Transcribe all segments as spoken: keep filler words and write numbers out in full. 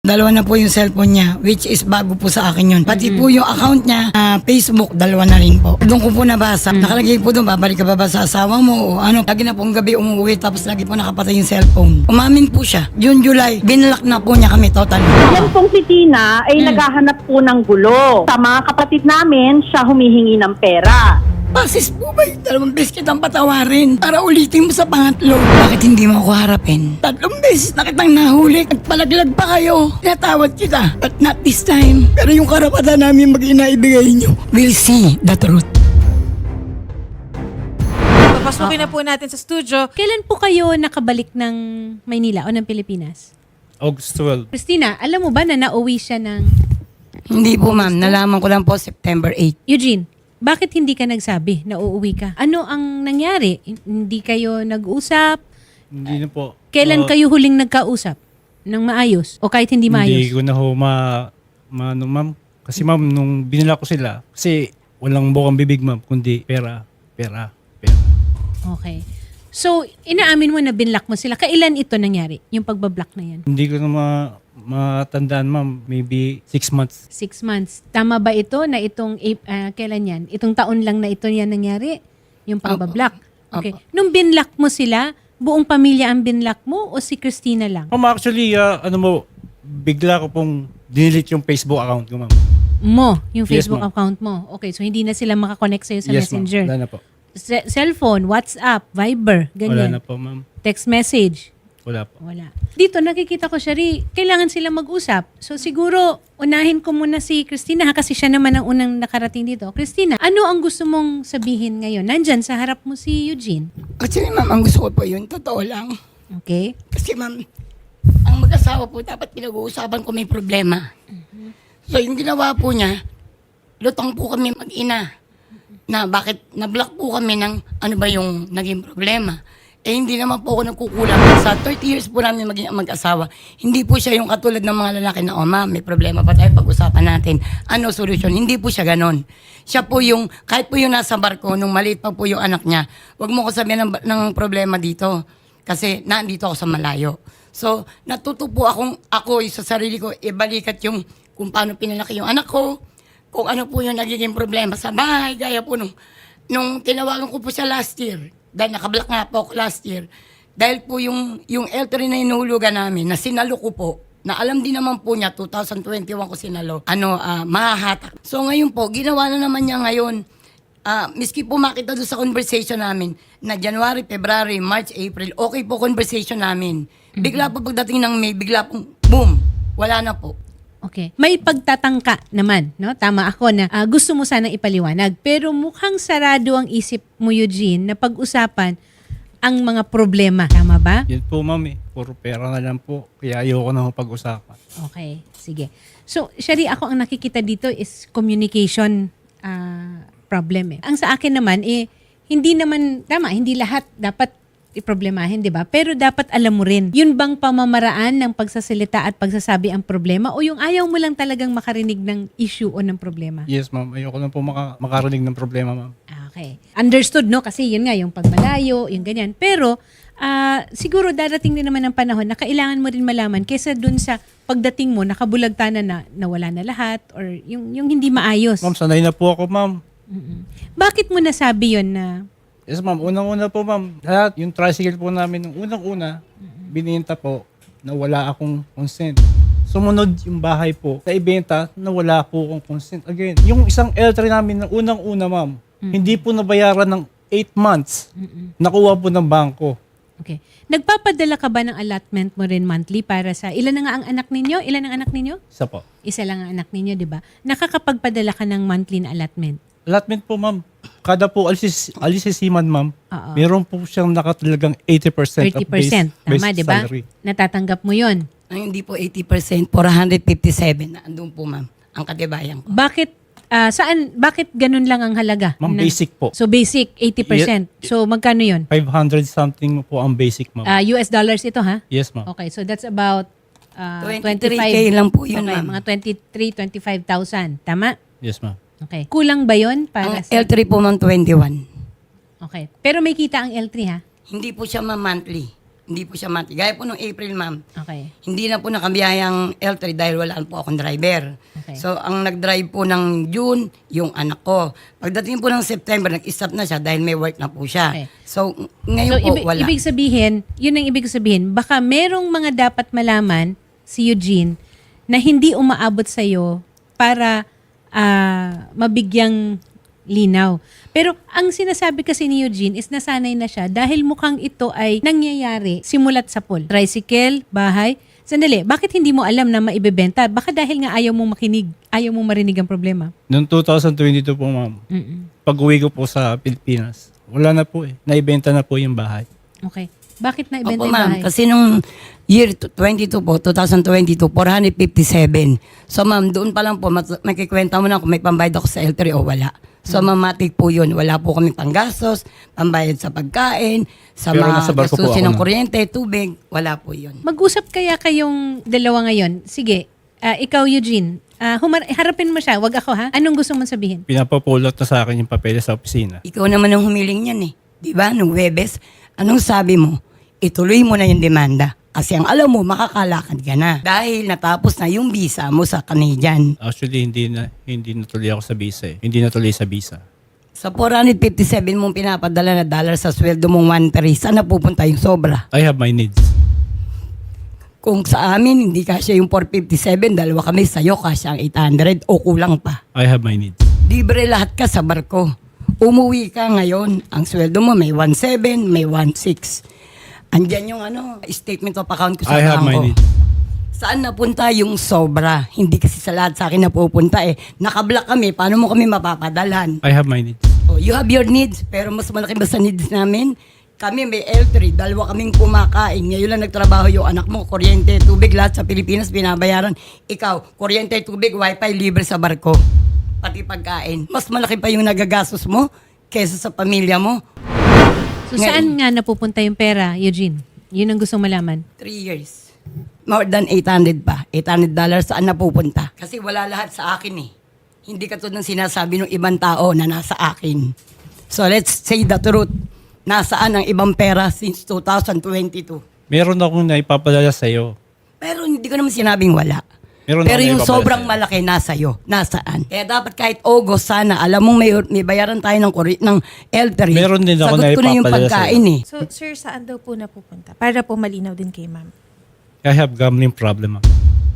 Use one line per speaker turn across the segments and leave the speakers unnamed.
Dalawa na po yung cellphone niya, which is bago po sa akin yun. Pati po yung account niya, ah, Facebook, dalawa na rin po. Doon ko po nabasa. Nakalagay po doon, babalik ka ba ba sa asawa mo o ano. Lagi na pong gabi umuwi, tapos lagi po nakapatay yung cellphone. Umamin po siya. June, July, binalak na po niya kami totally.
Yan pong si Tina ay naghahanap po ng gulo. Sa mga kapatid namin, siya humihingi ng pera.
Pasis po ba yung dalawang beses kitang patawarin para ulitin mo sa pangatlo? Bakit hindi mo ako harapin? Tatlong beses na kitang nahuli at palaglag pa kayo. Tinatawad kita, but not this time. Pero yung karapatan namin mag-ina ibigay nyo. We'll see the truth.
Papasukin na po natin sa studio.
Kailan po kayo nakabalik ng Maynila o ng Pilipinas?
August twelve.
Christina, alam mo ba na nauwi siya ng...
Hindi po ma'am, nalaman ko lang po September eighth.
Eugene, bakit hindi ka nagsabi na uuwi ka? Ano ang nangyari? Hindi kayo nag-usap?
Hindi na po.
Kailan
Uh,
kayo huling nagkausap? Nang maayos? O kahit hindi
Hindi
maayos?
ko na ho ma... ma ano, ma'am. Kasi ma'am, nung binila ko sila, kasi walang bukang bibig ma'am, kundi pera, pera, pera.
Okay. So, inaamin mo na binlock mo sila. Kailan ito nangyari? Yung pagbablock na yan?
Hindi ko na ma matandaan ma'am, maybe six months.
Six months. Tama ba ito na itong, Ap- ah, kailan yan? Itong taon lang na ito yan nangyari? Yung pagbablock? Okay. Nung binlock mo sila, buong pamilya ang binlock mo o si Christina lang?
Ma'am, actually, ah, ano mo, bigla ko pong dinelete yung Facebook account ko ma'am.
Mo, yung
Yes,
Facebook
ma'am.
account mo. Okay, so hindi na sila makakonect sa'yo sa
Yes ma'am,
Messenger.
wala na po.
Se- cellphone, WhatsApp, Viber,
Wala
ganyan.
na po ma'am.
Text message.
Wala po.
Wala. Dito nakikita ko, Shari, kailangan sila mag-usap. So siguro, unahin ko muna si Christina ha, kasi siya naman ang unang nakarating dito. Christina, ano ang gusto mong sabihin ngayon? Nandyan sa harap mo si Eugene.
Actually ma'am, ang gusto ko po yun, totoo lang.
Okay?
Kasi ma'am, ang mag-asawa po dapat pinag-uusapan ko may problema. So yung ginawa po niya, lutang po kami mag-ina na bakit na-block po kami ng ano ba yung naging problema. Eh hindi naman po ako nagkukulang. Sa thirty years po namin maging mag-asawa, hindi po siya yung katulad ng mga lalaki na, oh ma'am, may problema pa tayo, pag-usapan natin. Ano solusyon? Hindi po siya ganon. Siya po yung, kahit po yung nasa barko, nung maliit pa po yung anak niya, wag mo ko sabihin ng, ng problema dito. Kasi nandito ako sa malayo. So, natuto po akong, ako sa sarili ko, ibalikat yung kung paano pinalaki yung anak ko, kung ano po yung nagiging problema sa bahay, gaya po nung, nung tinawagan ko po siya last year, dahil nakablock nga po ako last year, dahil po yung, yung L three na inuhulugan namin, na sinalo ko po, na alam din naman po niya, twenty twenty-one ko sinalo, ano, ah, mahahatak. So ngayon po, ginawa na naman niya ngayon, ah, miski po makita doon sa conversation namin, na January, February, March, April, okay po conversation namin. Bigla po pagdating ng May, bigla pong, boom, wala na po.
Okay. May pagtatangka naman, no? Tama ako na ah, gusto mo sanang ipaliwanag. Pero mukhang sarado ang isip mo, Eugene, na pag-usapan ang mga problema. Tama ba?
Yan po ma'am eh. Puro pera na lang po. Kaya ayoko na ho pag-usapan.
Okay. Sige. So, Shari, ako ang nakikita dito is communication ah, problem eh. Ang sa akin naman, eh, hindi naman, tama, hindi lahat dapat iproblemahin, di ba? Pero dapat alam mo rin, yun bang pamamaraan ng pagsasalita at pagsasabi ang problema o yung ayaw mo lang talagang makarinig ng issue o ng problema?
Yes ma'am, ayoko na po maka makarinig ng problema ma'am.
Okay. Understood, no? Kasi yun nga, yung pagmalayo, yung ganyan. Pero, ah, siguro darating din naman ang panahon na kailangan mo rin malaman kaysa dun sa pagdating mo, nakabulagtanan na nawala na lahat or yung, yung hindi maayos.
Ma'am, sanay na po ako ma'am.
Mm-mm. Bakit mo nasabi yun na
Yes ma'am, unang-una po ma'am, lahat yung tricycle po namin, nung unang-una, bininta po na wala akong consent. Sumunod yung bahay po, sa ibenta na wala po akong consent. Again, yung isang L three namin na unang-una ma'am, hindi po nabayaran ng eight months. Nakuha po ng bangko.
Okay. Nagpapadala ka ba ng allotment mo rin monthly para sa ilan na nga ang anak ninyo? Ilan ang anak ninyo?
Isa po.
Isa lang ang anak ninyo, di ba? Nakakapagpadala ka ng monthly na allotment.
Allotment po ma'am, kada po alis alis si Siman ma'am,
Oo.
meron po siyang nakatalagang eighty percent
thirty
of base,
percent. Tama,
base
di ba?
salary.
Natatanggap mo yon.
Ang hindi po eighty percent, four hundred fifty-seven na andun po ma'am, ang katibayan ko.
Bakit, ah, saan, bakit ganun lang ang halaga?
Ma'am,
Na-
basic po.
So basic, eighty percent. So magkano yun?
five hundred something po ang basic ma'am.
Ah, U S dollars ito, ha?
Yes ma'am.
Okay, so that's about ah,
twenty-three
twenty-five.
K lang po yun,
Okay,
ma'am.
mga twenty-three, twenty-five thousand. Tama?
Yes ma'am.
Okay. Kulang ba yun
Ang
para
L
sa...
three po ma'am, twenty-one.
Okay. Pero may kita ang L three, ha?
Hindi po siya ma'am monthly. Hindi po siya mati. Gaya po nung April, ma'am.
Okay.
Hindi na po nakabiyayang L three dahil wala po akong driver.
Okay.
So, ang nag-drive po ng June, yung anak ko. Pagdating po ng September, nag-stop na siya dahil may work na po siya.
Okay.
So,
So,
ngayon po,
ibig,
wala.
ibig sabihin, yun ang ibig sabihin, baka merong mga dapat malaman si Eugene na hindi umaabot sa'yo para ah, mabigyang linaw. Pero ang sinasabi kasi ni Eugene is nasanay na siya dahil mukhang ito ay nangyayari simulat sa pool. Tricycle, bahay. Sandali, bakit hindi mo alam na maibebenta? Baka dahil nga ayaw mong makinig, ayaw mong marinig ang problema.
Noong two thousand twenty-two po, ma'am,
Mm-mm.
pag-uwi ko po sa Pilipinas, wala na po eh. Naibenta na po yung bahay.
Okay. Bakit na ibenta
Opo,
yung
ma'am.
bahay?
Kasi nung year twenty-two po, twenty twenty-two, four hundred fifty-seven. So, ma'am, doon pa lang po, mat- makikwenta mo na kung may pambayad ako sa L three o wala. So,
Hmm.
mamatik po yun. Wala po kami panggastos, pambayad sa pagkain, sa
Pero
mga
nasa barko po
gastusin
ako
ng
na.
kuryente, tubig, wala po yun.
Mag-usap kaya kayong dalawa ngayon. Sige, ah, ikaw Eugene, ah, humar- harapin mo siya, wag ako ha. Anong gusto mong sabihin?
Pinapapulot na sa akin yung papeles sa opisina.
Ikaw naman ang humiling yan eh. Di ba? Nung Webes, anong sabi mo? Ituloy mo na yung demanda. Kasi ang alam mo, makakalakad ka na. Dahil natapos na yung visa mo sa Canadian.
Actually, hindi na hindi natuloy ako sa visa eh. Hindi natuloy sa visa.
Sa four hundred fifty-seven mong pinapadala na dollar sa sweldo mong one three, saan napupunta yung sobra?
I have my needs.
Kung sa amin, hindi kasya yung four fifty-seven, dalawa kami sa'yo, kasya ang eight hundred o kulang pa.
I have my needs.
Libre lahat ka sa barko. Umuwi ka ngayon, ang sweldo mo may one seven, may one six. Andyan yung ano, statement of account ko sa
I have my
bangko.
needs.
Saan napunta yung sobra? Hindi kasi sa lahat sa akin napupunta eh. Nakablock kami, paano mo kami mapapadalan?
I have my needs.
Oh, you have your needs, pero mas malaki ba sa needs namin? Kami may L three, dalawa kaming kumakain. Ngayon lang nagtrabaho yung anak mo, kuryente, tubig, lahat sa Pilipinas binabayaran. Ikaw, kuryente, tubig, wifi, libre sa barko. Pati pagkain. Mas malaki pa yung nagagastos mo kesa sa pamilya mo.
So
Ngayon.
saan nga napupunta yung pera, Eugene? Yun ang gusto malaman.
Three years. More than eight hundred pa. eight hundred dollars saan napupunta? Kasi wala lahat sa akin eh. Hindi katulad ng sinasabi ng ibang tao na nasa akin. So let's say the truth. Nasaan ang ibang pera since two thousand twenty-two?
Meron akong naipapadala sa iyo.
Pero hindi ko naman sinabing wala.
Meron
Pero
ako
yung
naipapadala
sobrang
sa'yo.
malaki nasa iyo. Nasaan? Kaya dapat kahit August sana, alam mong may, may bayaran tayo ng, kuri- ng L three.
Meron din ako
Sagot ko na yung
naipapadala
pagkain eh.
So, sir, saan daw po napupunta? Para po malinaw din kay ma'am.
I have gambling problem. ma'am.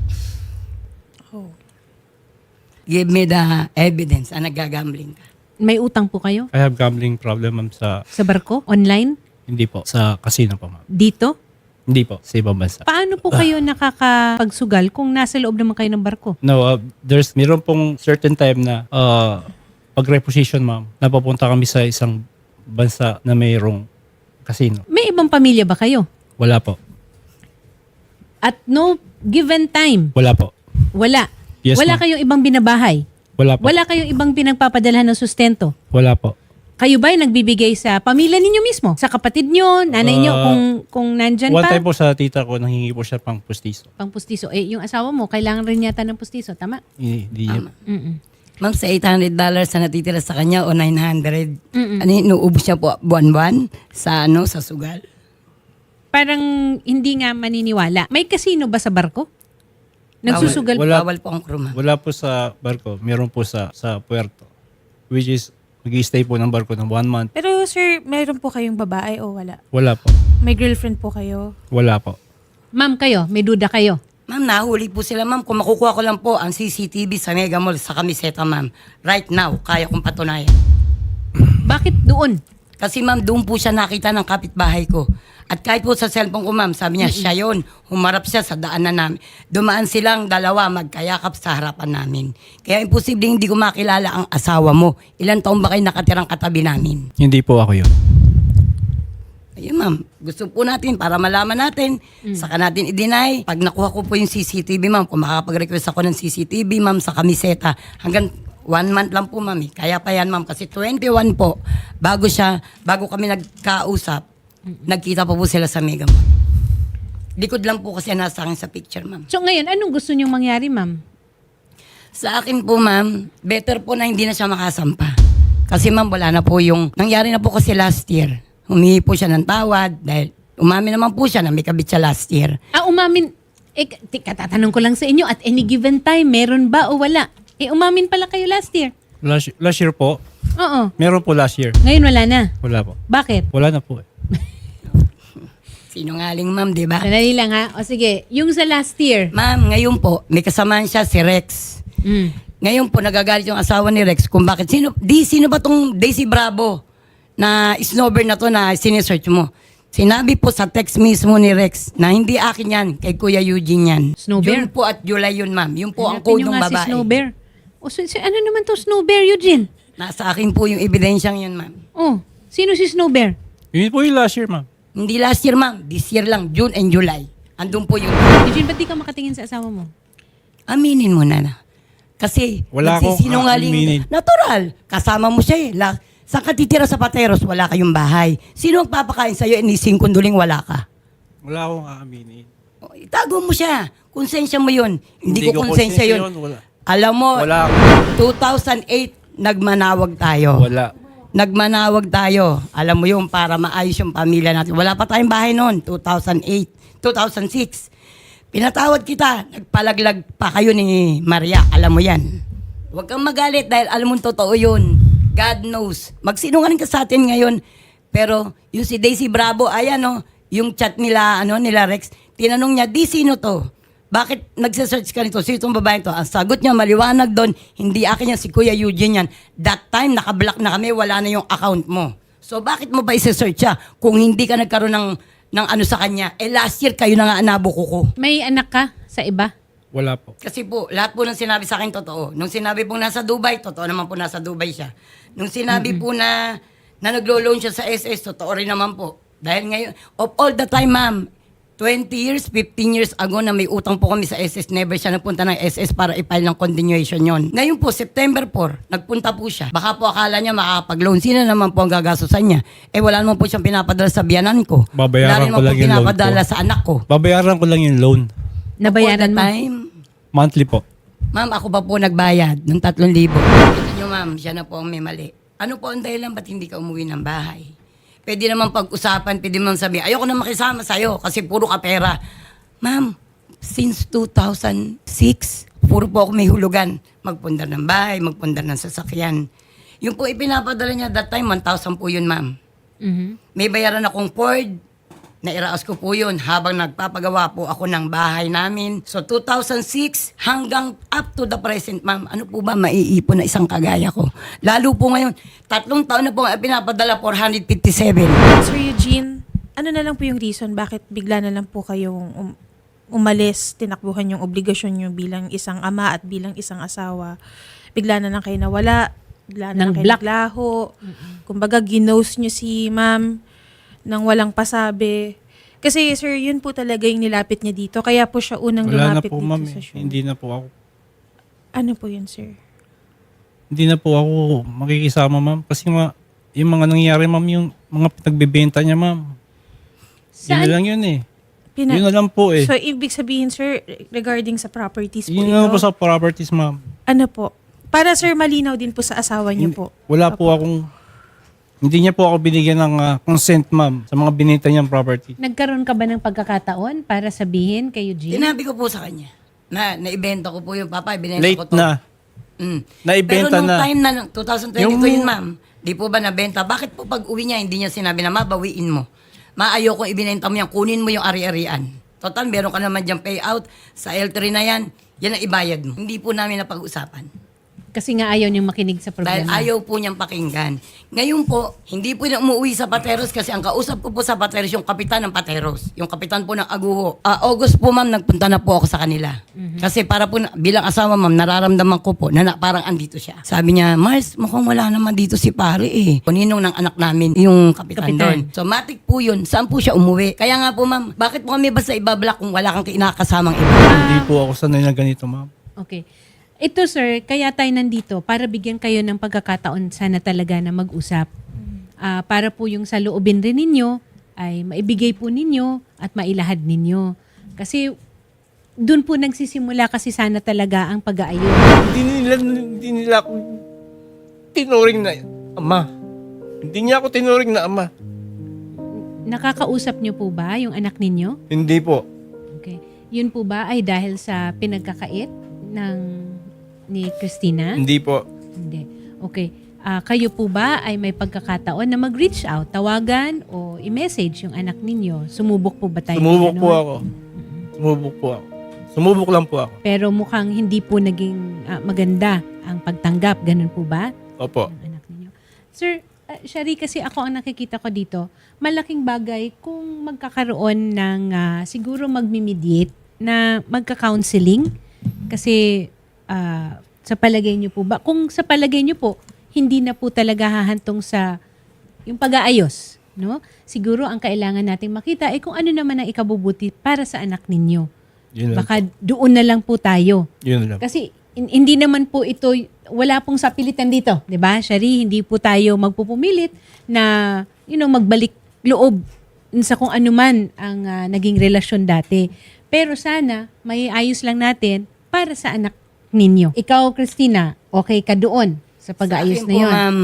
Oh.
Give me the evidence na nagagambling ka.
May utang po kayo
I have gambling problem ma'am sa
sa barko? Online?
hindi po sa casino po ma'am.
Dito?
Hindi po sa ibang bansa.
Paano po kayo nakakapagsugal kung nasa loob naman kayo ng barko?
No, uh, there's meron pong certain time na uh, pag reposition ma'am, napapunta kami sa isang bansa na mayroong casino.
May ibang pamilya ba kayo?
Wala po.
At no given time,
Wala po.
wala.
Yes,
wala
ma'am.
kayong ibang binabahay.
Wala po.
Wala kayong ibang pinagpapadalhan ng sustento.
Wala po.
Kayo ba ay nagbibigay sa pamilya ninyo mismo? Sa kapatid nyo, nanay nyo,
Uh,
kung, kung nandyan
One
pa?
time po sa tita ko, nanghingi po siya pang pustiso.
Pang pustiso. Eh, yung asawa mo, kailangan rin yata ng pustiso. Tama?
Hindi niya.
Mm-mm.
Ma'am, sa eight hundred dollars na natitira sa kanya o nine hundred,
Mm-mm.
ano inuubos siya po buwan-buwan sa ano sa sugal?
Parang hindi nga maniniwala. May kasino ba sa barko? Nagsusugal?
Wala.
Bawal po ang crew, ma'am.
Wala po sa barko, meron po sa sa puerto. Which is, mag-i-stay po ng barko ng one month.
Pero, sir, meron po kayong babae o wala?
Wala po.
May girlfriend po kayo?
Wala po.
Ma'am kayo, may duda kayo.
Ma'am, nahuli po sila, ma'am. Kung makukuha ko lang po ang C C T V sa Mega Mall sa Camiseta, ma'am. Right now, kaya kong patunayan.
Bakit doon?
Kasi ma'am, doon po siya nakita ng kapitbahay ko. At kahit po sa cellphone ko, ma'am, sabi niya, siya yun. Humarap siya sa daanan namin. Dumaan silang dalawa, magkayakap sa harapan namin. Kaya imposible hindi ko makilala ang asawa mo. Ilan taon ba kayo nakatirang katabi namin?
Hindi po ako yun.
Ayun ma'am, gusto po natin para malaman natin, saka natin i-deny. Pag nakuha ko po yung C C T V ma'am, kung makakapag-request ako ng C C T V ma'am sa Camiseta, hanggang one month lang po ma'am eh. Kaya pa yan ma'am, kasi twenty-one po, bago siya, bago kami nagkausap, nagkita pa po sila sa Mega Mall. Likod lang po kasi nasa akin sa picture ma'am.
So ngayon, anong gusto nyong mangyari, ma'am?
Sa akin po ma'am, better po na hindi na siya makasampa. Kasi ma'am, wala na po yung, nangyari na po kasi last year. Humingi po siya ng tawad dahil Umamin naman po siya na may kabit siya last year.
Ah, umamin. Eh, t- katatanong ko lang sa inyo, at any given time, meron ba o wala? Eh, umamin pala kayo last year.
Last, last year po,
Oo.
meron po last year.
Ngayon wala na.
Wala po.
Bakit?
Wala na po eh.
Sinungaling ma'am, di ba?
Sandali lang ha. O sige, yung sa last year.
Ma'am, ngayon po, may kasamahan siya si Rex.
Mm.
Ngayon po, nagagalit yung asawa ni Rex kung bakit. Sino, di, sino ba tong Daisy Bravo na snowbird na to na sinesearch mo? Sinabi po sa text mismo ni Rex na hindi akin yan, kay Kuya Eugene yan.
Snowbear?
Yun po at July yun, ma'am. Yun po ang
Hanapin
code
nyo
ng
nga si
babae.
Snow Bear. O, si, si- ano naman to Snow Bear, Eugene?
Nasa akin po yung ebidensyang yun, ma'am.
Oh, sino si Snow Bear?
Yun po yung last year, ma'am.
Hindi last year, ma'am. This year lang, June and July. Andun po yung...
Eugene, ba't di ka makatingin sa asawa mo?
Aminin mo na na. Kasi,
Wala akong
nagsisinungaling-
aaminin.
Natural. Kasama mo siya eh. La, saan ka titira sa Pateros? Wala kayong bahay. Sino ang papakain sa'yo? Inising kunduling wala ka.
Wala akong aaminin.
O, itago mo siya. Konsensya mo yun. Hindi,
Hindi
ko
ko
konsensya
konsensya
yun.
yun, wala.
Alam mo,
Wala ako.
two thousand eight, nagmanawag tayo.
Wala.
Nagmanawag tayo. Alam mo yun, para maayos yung pamilya natin. Wala pa tayong bahay noon, two thousand eight, two thousand six. Pinatawad kita, nagpalaglag pa kayo ni Maria. Alam mo yan. Huwag kang magalit dahil alam mo totoo yun. God knows. Magsinungaling ka sa atin ngayon. Pero yung si Daisy Bravo, ayan no, yung chat nila, ano, nila Rex, tinanong niya, di sino to? Bakit nagsesearch ka nito? Sino itong babae to? Ang sagot niya, maliwanag doon, hindi akin yan, si Kuya Eugene yan. That time, nakablock na kami, wala na yung account mo. So bakit mo ba isi-search siya kung hindi ka nagkaroon ng, ng ano sa kanya? Eh last year, kayo na nga anabuko ko.
May anak ka sa iba?
Wala po.
Kasi po, lahat po ng sinabi sa akin totoo. Nung sinabi pong nasa Dubai, totoo naman po nasa Dubai siya. Nung sinabi po na, na naglo-loan siya sa S S, totoo rin naman po. Dahil ngayon, of all the time, ma'am, twenty years, fifteen years ago na may utang po kami sa S S, never siya nagpunta ng S S para i-file ng continuation yon. Ngayon po, September four, nagpunta po siya. Baka po akala niya makakapag-loan. Sino naman po ang gagastusan niya? Eh wala naman po siyang pinapadala sa biyanan ko.
Babayaran
wala rin
ko
naman
lang
po
yung loan
pinapadala
ko.
sa anak ko.
Babayaran ko lang yung loan.
Nabayaran
All the
mo?
time,
Monthly po.
ma'am, ako pa po nagbayad ng tatlong libo. Ito nyo, ma'am, siya na po ang may mali. Ano po ang dahilan ba't hindi ka umuwi ng bahay? Pwede naman pag-usapan, pwede naman sabihin, ayoko na makisama sa'yo kasi puro ka pera. Ma'am, since two thousand six, puro po ako may hulugan. Magpundar ng bahay, magpundar ng sasakyan. Yung po ipinapadala niya that time, one thousand po yun, ma'am.
Mhm.
May bayaran akong Ford, nairaos ko po yun habang nagpapagawa po ako ng bahay namin. So two thousand six hanggang up to the present, ma'am, ano po ba maiipon na isang kagaya ko? Lalo po ngayon, tatlong taon na po ang pinapadala, four hundred fifty-seven.
Sir Eugene, ano na lang po yung reason bakit bigla na lang po kayong um- umalis, tinakbuhan yung obligasyon nyo bilang isang ama at bilang isang asawa? Bigla na lang kayo nawala, bigla na
Nang
lang kayo
black.
naglaho. Kumbaga, ginose nyo si ma'am nang walang pasabi. Kasi sir, yun po talaga yung nilapit niya dito. Kaya po siya unang
Wala na
lumapit
po,
dito
ma'am.
sa
eh.
show.
Hindi na po ako.
Ano po yun, sir?
Hindi na po ako makikisama, ma'am. Kasi ma, yung mga nangyayari, ma'am, yung mga pinagbebenta niya, ma'am. Yun na
Saan?
lang yun eh.
Pina-
Yun na lang po eh.
So, ibig sabihin, sir, regarding sa properties po
Yun
ito,
na lang po sa properties, ma'am.
ano po? Para, sir, malinaw din po sa asawa niyo po.
Wala po akong, hindi niya po ako binigyan ng ah, consent, ma'am, sa mga binenta niyang property.
Nagkaroon ka ba ng pagkakataon para sabihin kay Eugene?
Sinabi ko po sa kanya na naibenta ko po yung papa, ibinenta ko
Late
to.
na.
Mm.
Naibenta
Pero nung
na.
time na, ng twenty twenty-two
Yung-
yun, ma'am, di po ba nabenta? Bakit po pag uwi niya, hindi niya sinabi na mabawiin mo? Maayo kung ibinenta mo yan, kunin mo yung ari-arian. Total, meron ka naman dyan payout. Sa L three na yan, yan ang ibayad mo. Hindi po namin napag-usapan.
Kasi nga ayaw niyang makinig sa
Dahil
problema.
ayaw po niyang pakinggan. Ngayon po, hindi po na umuwi sa Pateros kasi ang kausap ko po sa Pateros yung kapitan ng Pateros. Yung kapitan po ng Aguho. Ah, August po, ma'am, nagpunta na po ako sa kanila. Kasi para po, na- bilang asawa, ma'am, nararamdaman ko po na, na parang andito siya. Sabi niya, Mars, mukhang wala naman dito si pare eh. Kuninong ng anak namin, yung kapitan,
Kapitan.
doon. So, matik po yun. Saan po siya umuwi? Kaya nga po, ma'am, bakit po kami basta ibablock kung wala kang kinakasamang iba?
Hindi po ako sanay na ganito, ma'am.
Okay. Ito sir, kaya tayo nandito para bigyan kayo ng pagkakataon sana talaga na mag-usap. Ah, para po yung sa loobin rin ninyo ay maibigay po ninyo at mailahad ninyo. Kasi doon po nagsisimula kasi sana talaga ang pag-aayos.
Hindi nila, hindi nila ako tinuring na ama. Hindi niya ako tinuring na ama.
nakakausap niyo po ba yung anak ninyo?
Hindi po.
Okay. Yun po ba ay dahil sa pinagkakait ng ni Christina?
Hindi po.
Hindi. Okay. Ah, kayo po ba ay may pagkakataon na mag-reach out, tawagan o i-message yung anak ninyo? Sumubok po ba tayo? ng
Sumubok
ganon?
po ako. Sumubok po ako. Sumubok lang po ako.
Pero mukhang hindi po naging ah, maganda ang pagtanggap. Ganun po ba?
Opo.
Ng anak ninyo. Sir, uh, Shari, kasi ako ang nakikita ko dito, malaking bagay kung magkakaroon ng ah, siguro magmi-mediate na magka-counseling. Kasi ah, sa palagay niyo po ba, kung sa palagay niyo po, hindi na po talaga hahantong sa yung pag-aayos, no? Siguro ang kailangan nating makita ay kung ano naman ang ikabubuti para sa anak ninyo.
Yun lang.
Baka doon na lang po tayo.
Yun lang.
Kasi in- hindi naman po ito, wala pong sapilitan dito, 'di ba? Shari, hindi po tayo magpupumilit na you know, magbalik loob sa kung ano man ang ah, naging relasyon dati. Pero sana may ayos lang natin para sa anak ninyo. Ikaw, Christina, okay ka doon sa pag-aayos
Sa akin
na
po,
'yon?
ma'am,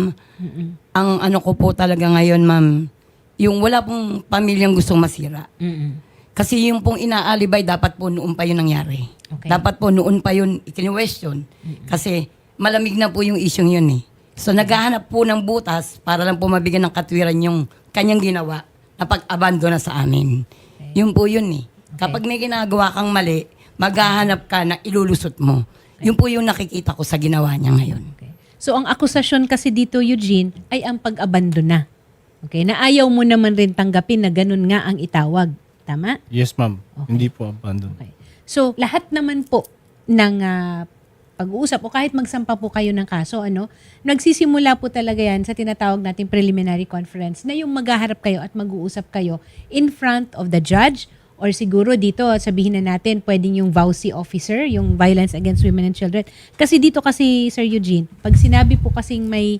ang ano ko po talaga ngayon, ma'am, yung wala pong pamilyang gustong masira.
Mm-mm.
Kasi yung pong inaalibay, dapat po noon pa yun nangyari.
Okay.
Dapat po noon pa yun ikini-question. Kasi malamig na po yung isyong yun eh. So naghahanap po ng butas para lang po mabigyan ng katwiran yung kanyang ginawa na pag-abandona sa amin. Yun po yun eh. Kapag may ginagawa kang mali, maghahanap ka na ilulusot mo. Yun po yung nakikita ko sa ginawa niya ngayon.
Okay. So ang akusasyon kasi dito, Eugene, ay ang pag-abandona. Okay, na ayaw mo naman rin tanggapin na ganun nga ang itawag. Tama?
Yes, ma'am.
Okay.
Hindi po abandon.
Okay. So, lahat naman po ng ah, pag-uusap o kahit magsampa po kayo ng kaso, ano, nagsisimula po talaga yan sa tinatawag nating preliminary conference na yung maghaharap kayo at mag-uusap kayo in front of the judge or siguro dito, sabihin na natin, pwedeng yung V A U C officer, yung Violence Against Women and Children. Kasi dito kasi, Sir Eugene, pag sinabi po kasing may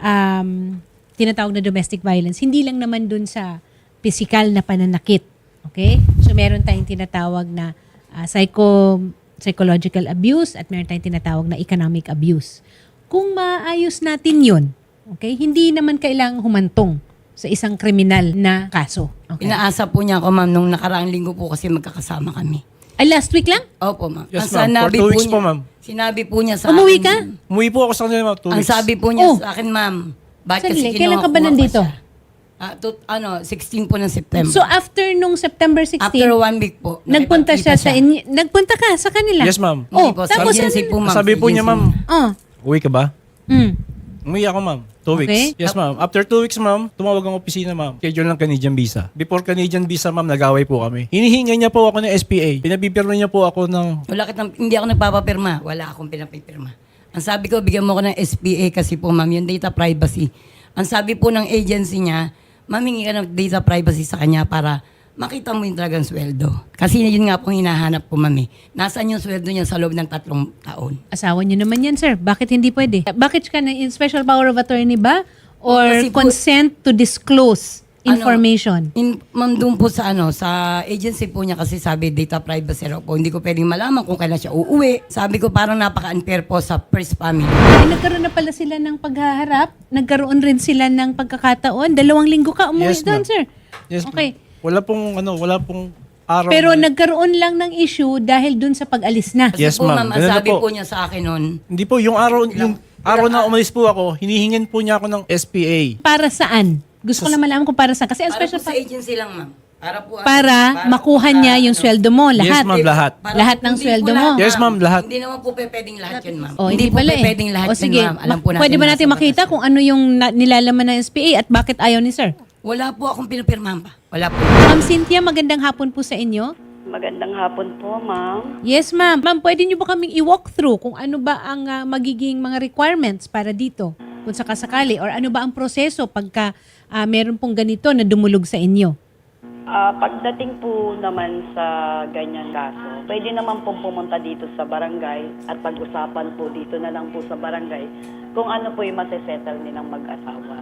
um, tinatawag na domestic violence, hindi lang naman dun sa physical na pananakit. Okay? So, meron tayong tinatawag na uh, psycho, psychological abuse at meron tayong tinatawag na economic abuse. Kung maayos natin yun, okay, hindi naman kailangang humantong sa isang kriminal na kaso. Okay?
Inaasa po niya ako, ma'am, nung nakaraang linggo po kasi magkakasama kami.
Ay, last week lang?
Opo, ma'am.
Yes,
Ang
ma'am. For
sinabi
two weeks
niya-
po, ma'am.
Sinabi po niya sa
Umuwi
akin-
ka?
Umuwi po ako sa kanila, ma'am. Two
Ang
weeks.
sabi po niya
Oh.
sa akin, ma'am, bakit
Sandali,
kasi
kailan ka ba
kinuha-
nandito?
kuha pa siya? Ah, tut- ano, sixteen po ng September.
So, after nung September sixteen,
After one week po,
nagpunta siya
nakipagkita
sa inyo. Nagpunta ka sa kanila?
Yes, ma'am.
Hindi
Oh,
po, sa
tapos
agency
ano-
po, ma'am.
Sabi
sa
po niya,
agency.
ma'am,
Oh.
uwi ka ba?
Mm.
Umuwi ako, ma'am. Two
Okay.
weeks. Yes, ma'am. After two weeks, ma'am, tumawag ang opisina, ma'am. Schedule ng Canadian visa. Before Canadian visa, ma'am, nag-away po kami. Hinihinga niya po ako ng S P A. Pinabibirma niya po ako ng...
Wala kitang, hindi ako nagpapapirma. Wala akong pinapipirma. Ang sabi ko, bigyan mo ko ng S P A kasi po, ma'am, yung data privacy. Ang sabi po ng agency niya, mamingi ka ng data privacy sa kanya para makita mo yung talagang sweldo. Kasi yun nga po hinahanap po, ma'am. eh. Nasaan yung sweldo niya sa loob ng tatlong taon?
Asawa niyo naman yan, sir. Bakit hindi pwede? Bakit ka na in special power of attorney ba? Or
Kasi po-
consent to disclose
Ano,
information?
In, ma'am, doon po sa ano, sa agency po niya kasi sabi data privacy raw po. Hindi ko pwedeng malaman kung kailan siya uuwi. Sabi ko parang napaka-unfair po sa first family.
Ay, nagkaroon na pala sila ng paghaharap. Nagkaroon rin sila ng pagkakataon. Dalawang linggo ka umuwi
Yes,
doon,
ma'am.
sir.
Yes, ma'am.
Okay.
Wala pong, ano, wala pong araw.
Pero
na-
nagkaroon lang ng issue dahil dun sa pag-alis na.
Kasi
Yes,
po,
ma'am.
ma'am, ang
Ganun na
sabi
po.
po niya sa akin noon,
Hindi po, yung araw, yung araw na umalis po ako, hinihingin po niya ako ng S P A.
Para saan? Gusto ko lang malaman kung para saan. Kasi ang
para
special
po sa
pa-
agency lang, ma'am. Para po, ano,
para makuha
po
niya
sa-
yung
ano,
sweldo mo, lahat.
Yes, ma'am, lahat.
para
Lahat
po-
ng
hindi
sweldo
po
mo.
lahat,
Yes, ma'am, lahat.
Hindi naman po pe pwedeng lahat yun, ma'am.
Oh, hindi,
po
pala
pe
eh.
pwedeng lahat
O sige,
yun, ma'am. Alam
ma-
po natin.
pwede ba natin
nasa
makita
batas
kung ano yung na- nilalaman ng S P A at bakit ayaw ni sir?
yun. Wala po akong pinapirmahan pa. Wala po.
Ma'am Cynthia, magandang hapon po sa inyo.
Magandang hapon po, ma'am.
Yes, ma'am. Ma'am, pwede niyo ba kaming i-walk through kung ano ba ang ah, magiging mga requirements para dito? Kung sakasakali or ano ba ang proseso pagka ah, meron pong ganito na dumulog sa inyo?
Ah, pagdating po naman sa ganyan kaso, pwede naman pong pumunta dito sa barangay at pag-usapan po dito na lang po sa barangay kung ano po yung masisettle nilang mag-asawa.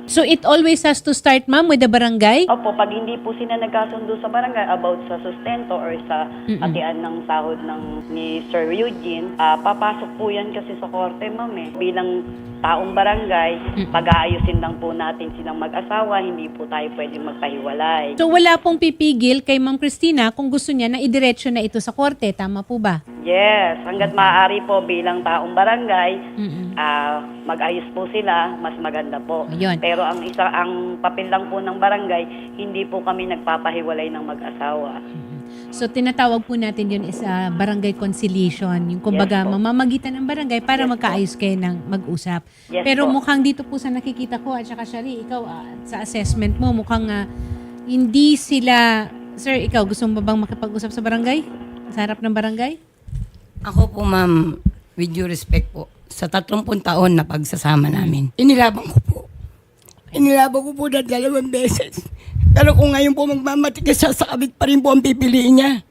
So it always has to start, ma'am, with the barangay?
Opo, pag hindi po sila nagkasundo sa barangay about sa sustento or sa hatian ng sahod ng ni Sir Eugene, ah, papasok po yan kasi sa korte, ma'am eh. Bilang taong barangay, pag-aayusin lang po natin silang mag-asawa, hindi po tayo pwedeng magpahiwalay.
So wala pong pipigil kay Ma'am Christina kung gusto niya na idiretso na ito sa korte. Tama po ba?
Yes, hanggat maaari po bilang taong barangay,
Mm-mm.
ah, mag-ayos po sila, mas maganda po.
Ayun.
Pero ang isa ang papel lang po ng barangay, hindi po kami nagpapahiwalay ng mag-asawa.
So tinatawag po natin yun is ah, barangay conciliation. Yung kumbaga
Yes po.
mamamagitan ng barangay para
Yes po.
magkaayos kayo ng mag-usap.
Yes
Pero
po.
mukhang dito po sa nakikita ko at saka Shari, ikaw ah, sa assessment mo mukhang ah, hindi sila... Sir, ikaw gusto mo ba bang makipag-usap sa barangay? Sa harap ng barangay?
Ako po, ma'am, with due respect po, sa tatlumpung taon na pagsasama namin, inilabang ko po. Inilabang ko po na dalawang beses. Pero kung ngayon po magmamatigas siya, sa kabit pa rin po ang pipiliin niya.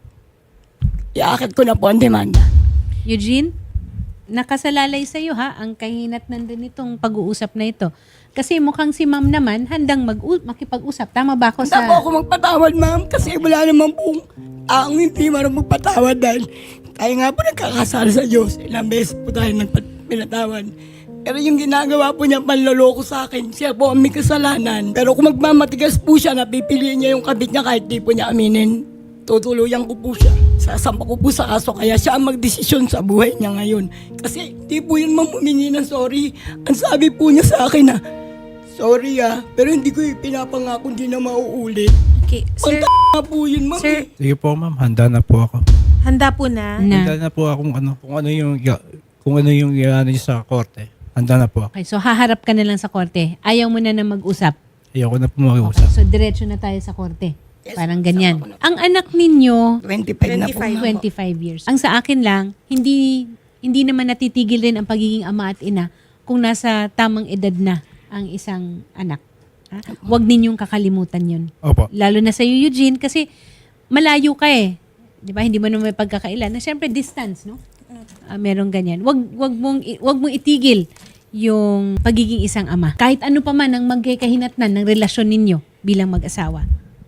Iakit ko na po ang demanda.
Eugene, nakasalalay sa iyo ha ang kahinatnan din itong pag-uusap na ito. Kasi mukhang si ma'am naman handang mag makipag-usap. Tama ba ako
Hindi
sa...
po ako magpatawad, ma'am, kasi wala naman pong ang hindi marunong magpatawad dahil tayo nga po nagkakasala sa Diyos. Ilang beses po tayo nagpinatawad. Pero yung ginagawa po niya panloloko sa akin, siya po ang may kasalanan. Pero kung magmamatigas po siya, napipiliin niya yung kabit niya kahit di po niya aminin. Tutuluyan ko po siya. Sasampa ko po sa kaso, kaya siya ang magdesisyon sa buhay niya ngayon. Kasi di po yun ma'am humingi ng sorry. Ang sabi po niya sa akin na, sorry ah, pero hindi ko pinapangako hindi na mauulit.
Okay, sir,
Ang t*** po yun ma'am.
sir,
eh.
Sige po ma'am, handa na po ako.
handa po na.
Na.
Handa na po ako kung ano, kung ano yung, kung ano yung ano niyo sa korte. Handa na po ako.
Okay, so haharap ka na lang sa korte. Ayaw mo na na mag-usap.
Ayoko na po mag-usap.
So diretso na tayo sa korte.
Yes,
Parang
sama
ganyan.
ko na po.
Ang anak ninyo,
twenty-five na po ma'am.
twenty-five years. Ang sa akin lang, hindi hindi naman natitigil rin ang pagiging ama at ina kung nasa tamang edad na ang isang anak. Ha? Huwag ninyong kakalimutan yun.
Opo.
Lalo na sa iyo, Eugene, kasi malayo ka eh. Di ba? Hindi mo naman may pagkakailan. Na siyempre, distance, no? Ah, merong ganyan. Wag, wag, mong, i- wag mong itigil yung pagiging isang ama. Kahit ano pa man ang magkakahinatnan ng relasyon ninyo bilang mag-asawa.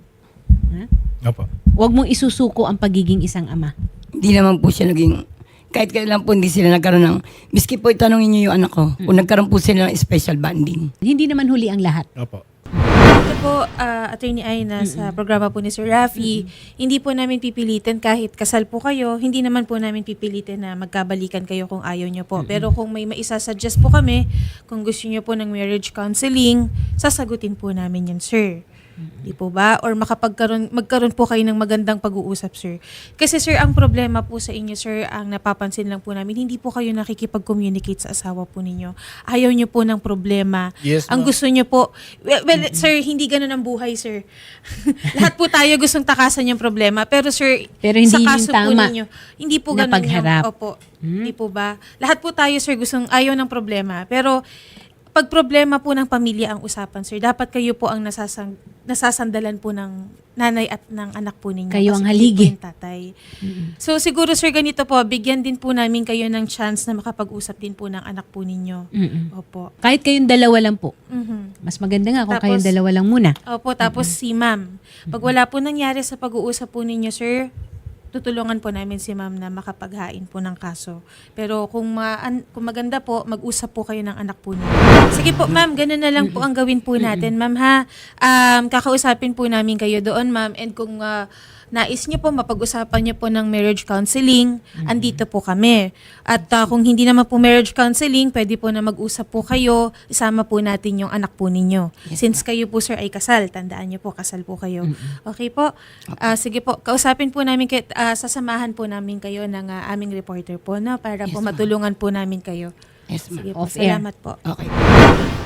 Ha?
Opo.
Wag mong isusuko ang pagiging isang ama.
Hindi naman po siya naging, kahit kailan po hindi sila nagkaroon ng, miski po itanongin niyo yung anak ko, kung nagkaroon po sila ng special bonding.
Hindi naman huli ang lahat.
Opo.
Ito po, ah, Attorney Aina, sa programa po ni Sir Rafi, hindi po namin pipilitin kahit kasal po kayo, hindi naman po namin pipilitin na magkabalikan kayo kung ayaw nyo po. Pero kung may maisasuggest po kami, kung gusto nyo po ng marriage counseling, sasagutin po namin yan, sir. Di po ba? Or makapagkaroon, magkaroon po kayo ng magandang pag-uusap, sir. Kasi sir, ang problema po sa inyo, sir, ang napapansin lang po namin, hindi po kayo nakikipag-communicate sa asawa po ninyo. Ayaw nyo po ng problema.
Yes,
Ang
ma'am.
gusto nyo po, well, well sir, hindi ganun ang buhay, sir. Lahat po tayo gustong takasan yung problema. Pero sir,
Pero hindi
sa
yun
kaso
tama
po ninyo, hindi po
na
ganun
pagharap.
yung, opo, hindi po ba? Lahat po tayo, sir, gustong ayaw ng problema. Pero, pag problema po ng pamilya ang usapan, sir, dapat kayo po ang nasasang, nasasandalan po ng nanay at ng anak po ninyo.
Kayo ang
Kasi
haligi.
hindi po yung tatay. So, siguro, sir, ganito po, bigyan din po namin kayo ng chance na makapag-usap din po ng anak po ninyo.
Mm-mm.
Opo.
Kahit kayong dalawa lang po.
Mhm.
Mas maganda nga kung
Tapos-
kayong dalawa lang muna.
Opo, tapos si ma'am. Pag wala po nangyari sa pag-uusap po ninyo, sir, tutulungan po namin si ma'am na makapaghain po ng kaso. Pero kung, ma- an- kung maganda po, mag-usap po kayo ng anak po ninyo. Sige po, ma'am, ganun na lang po ang gawin po natin, ma'am, ha? Um, kakausapin po namin kayo doon, ma'am, and kung ah, nais niyo po, mapag-usapan niyo po ng marriage counseling, andito po kami. At ah, kung hindi naman po marriage counseling, pwede po na mag-usap po kayo, isama po natin yung anak po ninyo. Since kayo po, sir, ay kasal, tandaan niyo po, kasal po kayo. Okay po? Ah, sige po, kausapin po namin, kayo, ah, sasamahan po namin kayo ng ah, aming reporter po, no? Para po
Yes, ma'am.
matulungan po namin kayo.
Yes, ma'am.
Sige po,
Off air.
salamat po.
Okay.